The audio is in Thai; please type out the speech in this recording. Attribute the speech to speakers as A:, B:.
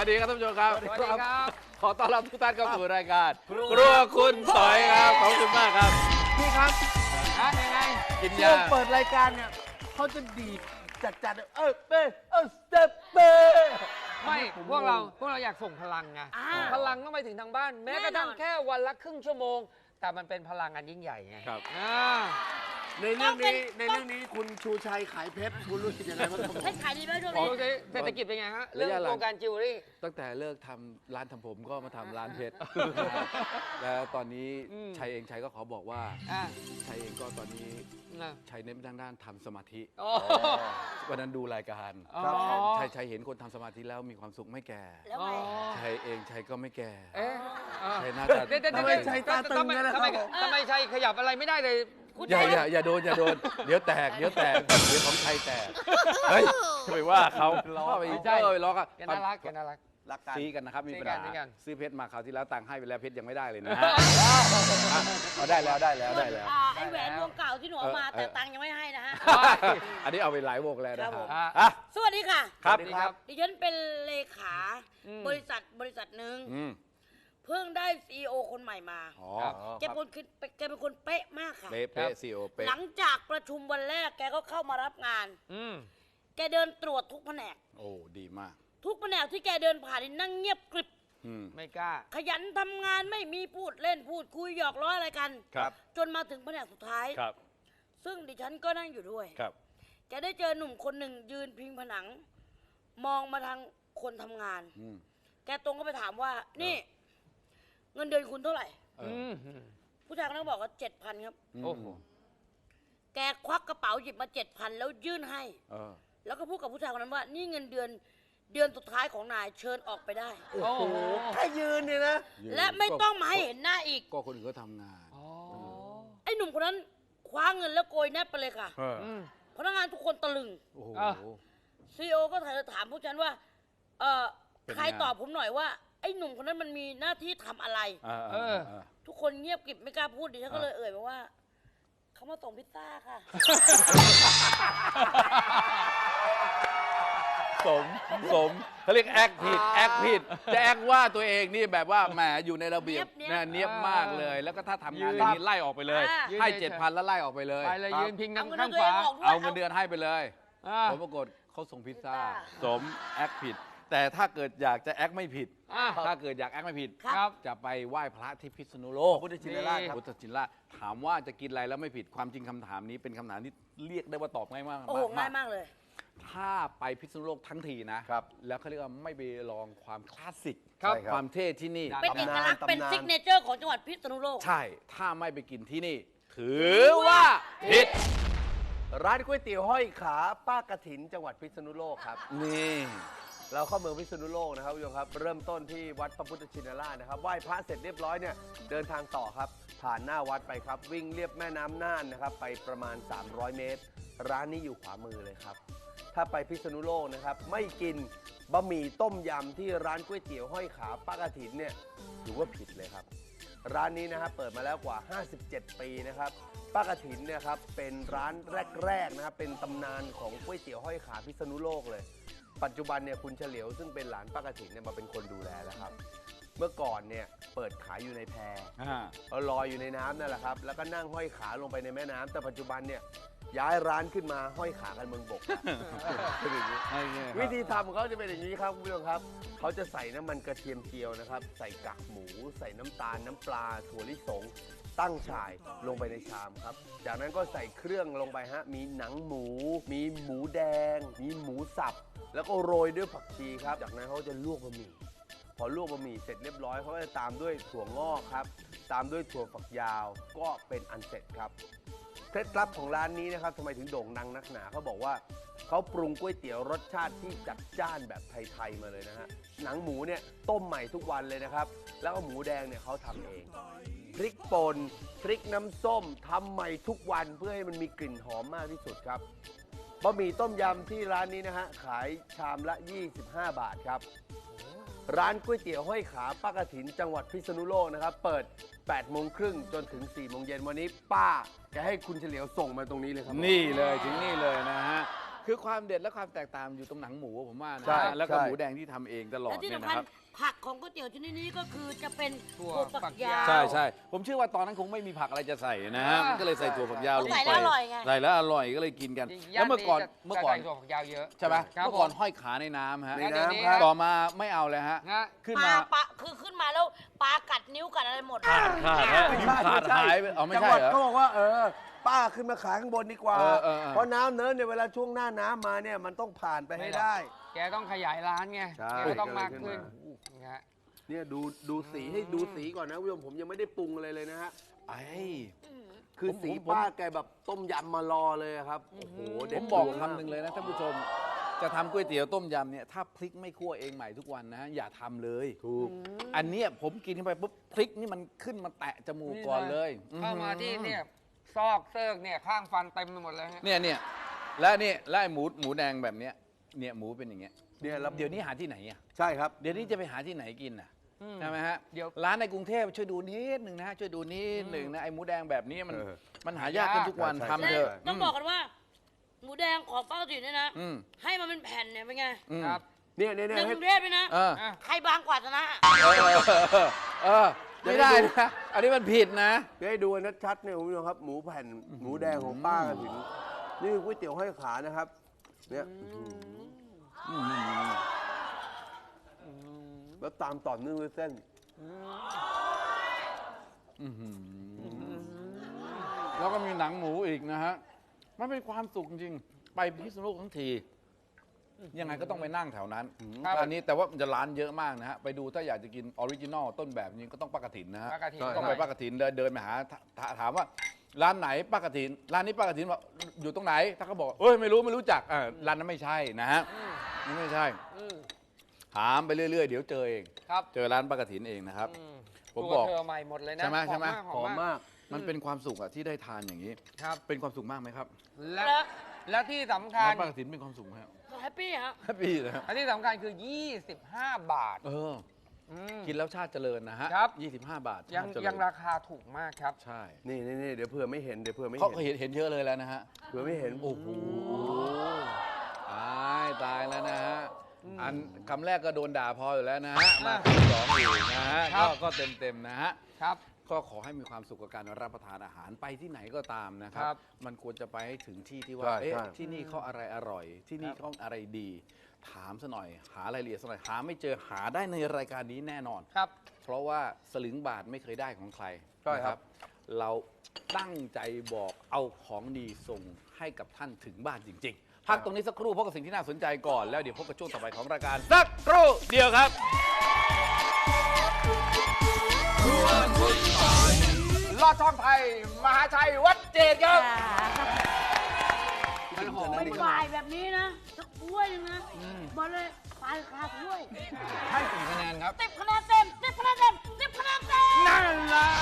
A: วัสดีครับท่านผู้ชมครับ
B: สวัสดีครับ
A: ขอต้อนรับทุกท่านเข้าสู่รายการครัวคุณสอยครับขอบคุณมากครับ
C: พี่ครับ
B: ยังไง
A: กิน
C: ช่วย
A: าง
C: เปิดรายการเนี่ยเขาจะดีดจัดเป้สเตปเป้
B: ไม่พวกเราอยากส่งพลังไงพลังต้องไปถึงทางบ้าน แม้กระทั่งแค่วันละครึ่งชั่วโมง แต่มันเป็นพลังงานยิ่งใหญ่ไง
A: ครับ
C: ในเรื่องนี้คุณชูชัยขายเพชรคุณรู้สึกยังไงบ้างครับ
D: ให้ขายดีไหมช่วง
B: โอ
D: นี้
B: เคเศรษฐกิจเป็นไงฮะเรื่อง
A: ระยะหลัง
B: โครงการจิวเวลรี่
A: ตั้งแต่เลิกทำร้านทำผมก็มาทำร้านเพชร แล้วตอนนี้ชัยก็ขอบอกว่า
B: อ่า
A: ชัยเองก็ตอนนี้
B: นะ
A: ชัยเน้นทางด้านทำสมาธิ
B: โอ้
A: วันนั้นดูรายการ
B: ครับ
A: ชัยเห็นคนทำสมาธิแล้วมีความสุขไม่แก่
D: แล้วไง
A: ชัยก็ไม่แก่
B: เอ๊ะ
A: ชัยน่าจะ
C: ทำไมชัยตาตึงกันนะค
B: ทำ
C: รับ
B: ไมทำไมชัยขยับอะไรไม่ได้เลย
A: อย่าโดนเดี๋ยวแตกเดี๋ยวของชัยแตกเฮ้ยจะไปว่าเขาไปล้อกัน
B: แกน่ารักแกน่ารัก
C: รักกัน
A: ซีกันนะครับมีปัญหา
B: ซี้กัน
A: ซื้อเพชรมาคราวที่แล้วตังค์ให้ไปแล้วเพชรยังไม่ได้เลยนะฮะเอาได้แล้ว
D: ไอ้แหวนวงเก่าที่หนูเอามาแต่ตังค์ยังไม่ให้นะฮะ
A: อันนี้เอาไปหลายวงแล้วนะ
D: ครั
A: ฮะ
D: บผม
A: อ่ะ
D: สวัสดีค่ะ
A: ครับ
D: ดิฉันเป็นเลขา
B: อืม
D: บริษัทหนึ่ง
A: อืม
D: เพิ่งได้ซีอีโอคนใหม่มา
A: อ๋อ
D: แกเป็นคนเป๊ะมากค่ะ
A: เป๊ะซีโอเป๊ะ
D: หลังจากประชุมวันแรกแกก็เข้ามารับงาน
B: อืม
D: แกเดินตรวจทุกแผนก
A: โอ้ดีมาก
D: ทุกแผนกที่แกเดินผ่านนี่นั่งเงียบกริบ
A: อืม
B: ไม่กล้า
D: ขยันทำงานไม่มีพูดเล่นพูดคุยหยอกล้ออะไรกัน
A: ครับ
D: จนมาถึงแผนกสุดท้าย
A: ครับ
D: ซึ่งดิฉันก็นั่งอยู่ด้วย
A: ครับ
D: แกได้เจอหนุ่มคนหนึ่งยืนพิงผนัง มองมาทางคนทำงาน
A: อืม
D: แกตรงก็ไปถามว่า นี่ เงินเดือนคุณเท่าไหร่
A: เอ
B: อื
A: อ
B: ม
D: ผู้ชายคนนั้นบอกว่า7,000 ครับ
B: โอ้โห
D: แกควักกระเป๋าหยิบมา7,000แล้วยื่นให้
A: เออ
D: แล้วก็พูดกับผู้ชายคนนั้นว่า นี่เงินเดือนสุดท้ายของนายเชิญออกไปได้
B: โอ้โห
C: แค่ยืนเนี่ยนะ
D: และไม่ต้องมาให้เห็นหน้าอีก
A: ก็คนอื่นก็ทำงาน
B: อ๋อ
D: ไอ้หนุ่มคนนั้นคว้าเงินแล้วโกยแนบไปเลยค่ะ
A: เออ
B: อืม
D: พนักงานทุกคนตะลึง
A: โอ้โห
B: อ่ะ
D: ซีโอก็ถามพวกฉันว่า
A: เป็นไง
D: ใครตอบผมหน่อยว่า ไอ้หนุ่มคนนั้นมันมีหน้าที่ทำอะไร ทุกคนเงียบกริบไม่กล้าพูดดิฉันก็เลยเอ่ยมาว่า เขามาส่งพิซซ่าค่ะ
A: สมเขาเรียกแอคผิดจะแอคว่าตัวเองนี่แบบว่าแหมอยู่ในระเบียบ
D: เนี๊ยบ
A: นะเนียบมากเลย แล้วก็ถ้าทำงาน
B: ยืน
A: อย่างนี้ไล่ออกไปเลย
D: อ่า
A: ให้7,000แล้วไล่ออกไปเลย
B: ไปเลยยืนพิง
D: เอาเงิน
B: ข้าง
D: ตัว
B: ข
D: เอ
B: วาง
D: ออกด้วย
A: เอาเงินเดือนให้ไปเลย
B: อ่า
A: ผลปรากฏเขาส่งพิซซ่า
D: พิซซ่า
A: สมแอคผิด แต่ถ้าเกิดอยากจะแอคไม่ผิด
B: อ่า
A: ถ้าเกิดอยากแอคไม่ผิด
B: ครับ
A: จะไปไหว้พระที่พิษณุโลก
C: พุทธชินราชครับ
A: พุทธชินราชถามว่าจะกินอะไรแล้วไม่ผิดความจริงคำถามนี้เป็นคำถามที่เรียกได้ว่าตอบง่ายมาก
D: โอ้โหง่ายมากเลย
A: ถ้าไปพิษณุโลกทั้งทีนะครับ แล้วเขาเรียกว่าไม่ไปลองความคลาสสิก
B: ครับ
A: ความเท่ที่นี่
D: เป็นเอกลักษณ์
C: ตำนาน
D: เป็นซิกเนเจอร์ของจังหวัดพิษณุโลก
A: ใช่ ถ้าไม่ไปกินที่นี่ ถือว่าผิด
C: ร้านก๋วยเตี๋ยวห้อยขาป้ากระถินจังหวัดพิษณุโลกครับ
A: นี่
C: เราเข้าเมืองพิษณุโลกนะครับคุณผู้ชมครับ เริ่มต้นที่วัดพระพุทธชินราชนะครับไหว้พระเสร็จเรียบร้อยเนี่ยเดินทางต่อครับ ผ่านหน้าวัดไปครับ วิ่งเลียบแม่น้ำน่านนะครับ ไปประมาณ 300 เมตร ร้านนี้อยู่ขวามือเลยครับ ถ้าไปพิษณุโลกนะครับ ไม่กินบะหมี่ต้มยำที่ร้านก๋วยเตี๋ยวห้อยขาป้ากระถินเนี่ยถือว่าผิดเลยครับ ร้านนี้นะครับเปิดมาแล้วกว่า 57 ปีนะครับป้ากระถินเนี่ยครับเป็นร้านแรกๆนะครับเป็นตำนานของก๋วยเตี๋ยวห้อยขาพิษณุโลกเลย ปัจจุบันเนี่ยคุณเฉลียวซึ่งเป็นหลานป้ากระถินเนี่ยมาเป็นคนดูแลแล้วครับ เมื่อก่อนเนี่ยเปิดขายอยู่ในแพ เอาลอยอยู่ในน้ำนั่นแหละครับแล้วก็นั่งห้อยขาลงไปในแม่น้ำแต่ปัจจุบันเนี่ยย้ายร้านขึ้นมาห้อยขากันเมืองบกเป็นอย่างนี้ วิธีทำของเขาจะเป็นอย่างนี้ครับคุณผู้ชมครับ เขาจะใส่น้ำมันกระเทียมเจียวนะครับ ใส่กากหมู ใส่น้ำตาล น้ำปลา ถั่วลิสง ตั้งฉ่ายลงไปในชามครับ จากนั้นก็ใส่เครื่องลงไปฮะ มีหนังหมู มีหมูแดง มีหมูสับ แล้วก็โรยด้วยผักชีครับ จากนั้นเขาจะลวกบะหมี่ พอลวกบะหมี่เสร็จเรียบร้อยเขาก็จะตามด้วยถั่วงอกครับ ตามด้วยถั่วฝักยาว ก็เป็นอันเสร็จครับ เคล็ดลับของร้านนี้นะครับทำไมถึงโด่งดังนักหนาเขาบอกว่าเขาปรุงก๋วยเตี๋ยวรสชาติที่จัดจ้านแบบไทยๆมาเลยนะฮะหนังหมูเนี่ยต้มใหม่ทุกวันเลยนะครับแล้วก็หมูแดงเนี่ยเขาทำเองพริกป่นพริกน้ำส้มทำใหม่ทุกวันเพื่อให้มันมีกลิ่นหอมมากที่สุดครับบะหมี่ต้มยำที่ร้านนี้นะฮะขายชามละ 25 บาทครับ ร้านก๋วยเตี๋ยวห้อยขาป้ากระถินจังหวัดพิษณุโลกนะครับเปิด 8 โมงครึ่งจนถึง 4 โมงเย็นวันนี้ป้าแกให้คุณเฉลียวส่งมาตรงนี้เลยครับ
A: นี่เลยถึงนี่เลยนะฮะคือความเด็ดและความแตกต่างอยู่ตรงหนังหมูผมว่านะ
C: ใช่
A: แล้วก็
C: ใช่
A: หมูแดงที่ทำเองตลอด
D: และที่
A: เนี่ย
D: สำ
A: นะ
D: คัญ
A: ครับ
D: ผักของก๋วยเตี๋ยวชนิดนี้ก็คือจะเป็น
B: ถั่ว
D: ถั่วฝั
B: ฝั
D: ก
B: ก
D: ยาย
B: าว ว
A: ใช่ใช่ผมเชื่อว่าตอนนั้นคงไม่มีผักอะไรจะใส่นะฮะก็เลยใส่ถั่วฝักยาวลง
D: ใส่
A: ไป
D: แล้วอร่อยไง
A: ใส่แล้วอร่อยก็เลยกินกัน
B: ย่า
A: แล้วเมื่อก่อน
B: จะ
A: เมื่อก่อน
B: ใส่ถั่วฝักยาวเยอะ
A: ใช่ไหม
B: ครับ
A: เมื่อก่อน
B: ผม
A: ห้อยขาในน้ำฮะ
C: ใน
B: แล้วเดี๋ยว
C: น้ำ
B: นี้
C: ครับ
A: ต่อมาไม่เอาเลยฮะ
B: นะ
A: ขึ้น
D: ป
A: มา
D: ลาคือขึ้นมาแล้วปลากัดนิ้วกัดอะไรหมด
A: ขาดฮะนิ้วขาดหายไปเอาไม่
C: จัง
A: ใช่
C: หวัด
A: เหรอ
C: เขาบอกว่าป้าขึ้นมาขายข้างบนดีกว่า
A: เออ
C: เพราะน้ำเนินเนี่ยเวลาช่วงหน้าน้ำมาเนี่ยมันต้องผ่านไปให้ได้
B: แกต้องขยายร้านไง
C: ใช่
B: แกก็ต้องมากขึ้น
C: ก็เลยขึ้น
B: นะฮะ
C: เนี่ยดูสีให้ดูสีก่อนนะคุณผู้ชมผมยังไม่ได้ปรุงอะไรเลยนะฮะ
A: ไอ้
C: คือ
A: ผม
C: สี
A: ผม
C: ป้าแกแบบต้มยำมารอเลยอะครับโอ้โห
A: ผ
C: เด็ด
A: มบอก
C: ดวงมาก
A: คำหนึ่งเลยนะท่านผู้ชม จะทำก๋วยเตี๋ยวต้มยำเนี่ยถ้าพริกไม่คั่วเองใหม่ทุกวันนะอย่าทำเลย
C: ถูก
A: อันเนี้ยผมกินเข้าไปปุ๊บพริกนี่มันขึ้นมาแตะจมูกก่อนเลย
B: เข้ามาที่เนี่ยซอกเซิกเนี่ยข้างฟันเต็มไปหมดเลยฮะ
A: เนี่ยและไอ้หมูแดงแบบเนี้ยเนี่ยหมูเป็นอย่างเงี้ย
C: เนี่ยแล้ว
A: เดี๋ยวนี้หาที่ไหนอ่ะ
C: ใช่ครับ
A: เดี๋ยวนี้จะไปหาที่ไหนกินอ่ะ
B: อืม
A: ใช่ไหมฮะ
B: เดี๋ยว
A: ร้านในกรุงเทพช่วยดูนิดหนึ่งนะฮะช่วยดูนิดหนึ่งนะไอ้หมูแดงแบบนี้มัน
C: เออ
A: มันหายากขึ้นทุกวัน
C: ใช่
A: ทำ
C: ใช่
A: เถอะ
D: ต้องบอกกันว่า หมูแดงของป้าติ๋วเนี่ยนะ
A: อืม
D: ให้มันเป็นแผ่นเนี่ยเป็นไง
A: อืม
B: ครับ
C: เนี่ย
D: ใน
C: ให้
D: กรุงเทพเลยนะ
A: เออ
B: อ่ะ
D: ใครบางกว่าชนะ
A: ไม่ได้นะอันนี้มันผิดนะ
C: เดี๋ยวให้ดูกันชัดๆเนี่ยคุณผู้ชมครับหมูแผ่นหมูแดงของป้ากันถึงนี่คือก๋วยเตี๋ยวห้อยขานะครับเนี่ยแล้วตามต่อเนื่องด้วยเส้น
A: แล้วก็มีหนังหมูอีกนะฮะ มันเป็นความสุขจริงๆไปพิษณุโลกทั้งที ยังไงก็ต้องไปนั่งแถวนั้น
B: ครับ
A: อันนี้แต่ว่ามันจะร้านเยอะมากนะฮะ ไปดูถ้าอยากจะกินออริจินอลต้นแบบนี้ก็ต้องป้ากฐินนะฮะ
B: ป้ากฐิน
A: ต้องไปป้ากฐินเดินไปหาถามว่าร้านไหนป้ากฐินร้านนี้ป้ากฐินบอกอยู่ตรงไหน ถ้าเขาบอกเอ้ยไม่รู้จักร้านนั้นไม่ใช่นะฮะนี่ไม่ใช่
B: อืม
A: ถามไปเรื่อยๆเดี๋ยวเจอเอง
B: ครับ
A: เจอร้านป้ากฐินเองนะครับ
B: อืม
A: ผม
B: ตัว
A: บอก
B: เธอใหม่หมดเลยนะ
A: ใช่ไหมใช่ไหม
C: หอมมาก
A: มันเป็นความสุขอะที่ได้ทานอย่างนี้
B: ครับ
A: เป็นความสุขมากไหมครับ
B: และที่สำคัญ
A: ร้านป้ากฐินเป็นความสุขไหมครับ
D: แฮปปี้ฮะ
A: แฮปปี้นะฮะ
B: และที่สำคัญคือ 25 บาท
A: ม
B: ม
A: กินแล้วชาติเจริญนะฮะ
B: ครับ
A: 25 บาท
B: ยัง
A: ชาติเจริญ
B: ยังราคาถูกมากครับ
A: ใช่
C: นี่เดี๋ยวเผื่อไม่เห็นเดี๋ยวเผื่อไม่
A: เขา
C: เห็น
A: เห็นเยอะเลยแล้วนะฮะ
C: เผื่อไม่เห็น
A: โอ้โหตายแล้วนะฮะ อันคำแรกก็โดนด่าพออยู่แล้วนะฮะ มาคำสองอีกนะฮะ
B: ครับ
A: ก็เต็มนะฮะ
B: ครับ
A: ก็ขอให้มีความสุขกับการรับประทานอาหารไปที่ไหนก็ตามนะครั
B: ครับ บ
A: มันควรจะไปให้ถึงที่ที่ว่า
C: ใช่
A: เอ๊ะ
C: ใช่
A: ที่นี่เขาอะไรอร่อย ที่นี่เขาอะไรดี ถามซะหน่อย หารายละเอียดซะหน่อย หาไม่เจอหาได้ในรายการนี้แน่นอน
B: ครับ
A: เพราะว่าสลึงบาทไม่เคยได้ของใคร
C: ใช่ครับ
A: นะเราตั้งใจบอกเอาของดีส่งให้กับท่านถึงบ้านจริง ๆ พักตรงนี้สักครู่พบกับสิ่งที่น่าสนใจก่อน แล้วเดี๋ยวพบกับช่วงต่อไปของรายการสักครู่เดียวครับ
B: ลอดช่องไทย มหาชัย วัดเจดครับ มันหอม
D: เป็นวายแบบนี้นะสักถ้วยหนึงนะบอกเลยปลายคาถ้วย
B: ให้กี่คะแนนครับ
D: 10 คะแนนเต็ม10 คะแนนเต็ม10 คะแนนเต็ม
B: นั่นแหละ